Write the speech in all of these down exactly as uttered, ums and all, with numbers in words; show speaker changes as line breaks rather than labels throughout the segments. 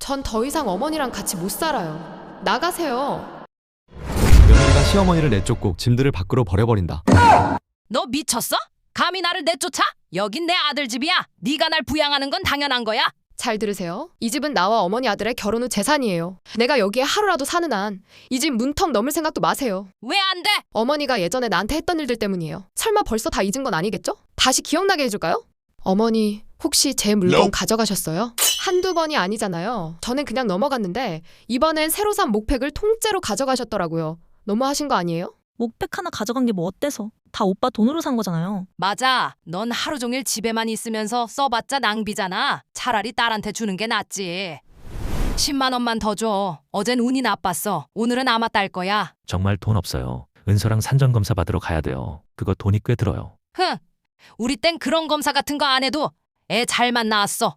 전 더 이상 어머니랑 같이 못 살아요. 나가세요.
며느리가 시어머니를 내쫓고 짐들을 밖으로 버려버린다.
너 미쳤어? 감히 나를 내쫓아? 여긴 내 아들 집이야. 네가 날 부양하는 건 당연한 거야.
잘 들으세요. 이 집은 나와 어머니 아들의 결혼 후 재산이에요. 내가 여기에 하루라도 사는 한 이 집 문턱 넘을 생각도 마세요.
왜 안 돼?
어머니가 예전에 나한테 했던 일들 때문이에요. 설마 벌써 다 잊은 건 아니겠죠? 다시 기억나게 해줄까요? 어머니, 혹시 제 물건 가져가셨어요? 한두 번이 아니잖아요. 저는 그냥 넘어갔는데 이번엔 새로 산 목팩을 통째로 가져가셨더라고요. 너무하신 거 아니에요?
목백 하나 가져간 게 뭐 어때서? 다 오빠 돈으로 산 거잖아요.
맞아. 넌 하루 종일 집에만 있으면서 써봤자 낭비잖아. 차라리 딸한테 주는 게 낫지. 십만 원만 더 줘. 어젠 운이 나빴어. 오늘은 아마 딸 거야.
정말 돈 없어요. 은서랑 산전검사 받으러 가야 돼요. 그거 돈이 꽤 들어요.
흥. 우리 땐 그런 검사 같은 거 안 해도 애 잘만 낳았어.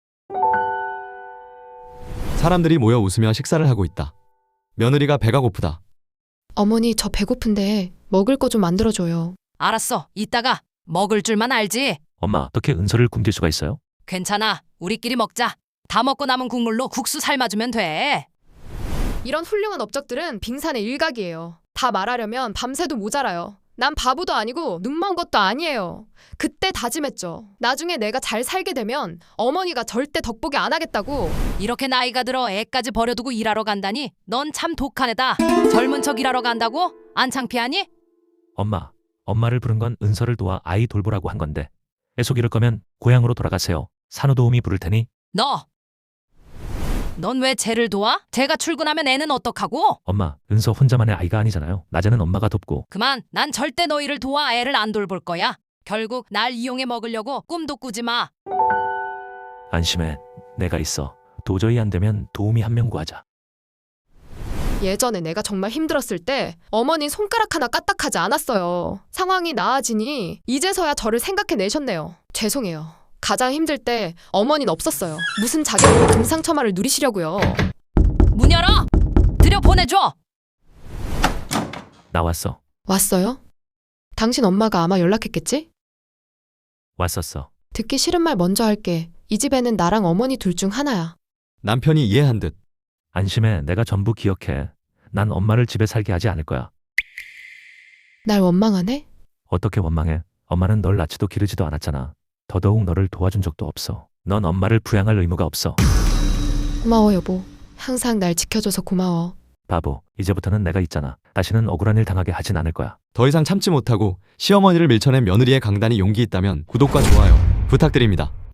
사람들이 모여 웃으며 식사를 하고 있다. 며느리가 배가 고프다.
어머니, 저 배고픈데 먹을 거 좀 만들어줘요.
알았어. 이따가 먹을 줄만 알지.
엄마, 어떻게 은서를 굶길 수가 있어요?
괜찮아. 우리끼리 먹자. 다 먹고 남은 국물로 국수 삶아주면 돼.
이런 훌륭한 업적들은 빙산의 일각이에요. 다 말하려면 밤새도 모자라요. 난 바보도 아니고 눈먼 것도 아니에요. 그때 다짐했죠. 나중에 내가 잘 살게 되면 어머니가 절대 덕보기 안 하겠다고.
이렇게 나이가 들어 애까지 버려두고 일하러 간다니 넌 참 독한 애다. 젊은 척 일하러 간다고? 안 창피하니?
엄마, 엄마를 부른 건 은서를 도와 아이 돌보라고 한 건데 애속 이럴 거면 고향으로 돌아가세요. 산후도우미 부를 테니.
너! 넌 왜 쟤를 도와? 쟤가 출근하면 애는 어떡하고?
엄마, 은서 혼자만의 아이가 아니잖아요. 낮에는 엄마가 돕고.
그만. 난 절대 너희를 도와 애를 안 돌볼 거야. 결국 날 이용해 먹으려고 꿈도 꾸지 마.
안심해. 내가 있어. 도저히 안 되면 도우미 한 명 구하자.
예전에 내가 정말 힘들었을 때 어머니 손가락 하나 까딱하지 않았어요. 상황이 나아지니 이제서야 저를 생각해내셨네요. 죄송해요. 가장 힘들 때 어머니는 없었어요. 무슨 자격으로 금상첨화를 누리시려고요.
문 열어! 들여보내줘!
나왔어.
왔어요? 당신 엄마가 아마 연락했겠지?
왔었어.
듣기 싫은 말 먼저 할게. 이 집에는 나랑 어머니 둘 중 하나야.
남편이 이해한 듯.
안심해. 내가 전부 기억해. 난 엄마를 집에 살게 하지 않을 거야.
날 원망하네?
어떻게 원망해? 엄마는 널 낳지도 기르지도 않았잖아. 더더욱 너를 도와준 적도 없어. 넌 엄마를 부양할 의무가 없어.
고마워 여보. 항상 날 지켜줘서 고마워.
바보, 이제부터는 내가 있잖아. 다시는 억울한 일 당하게 하진 않을 거야.
더 이상 참지 못하고 시어머니를 밀쳐낸 며느리의 강단이 용기 있다면 구독과 좋아요 부탁드립니다.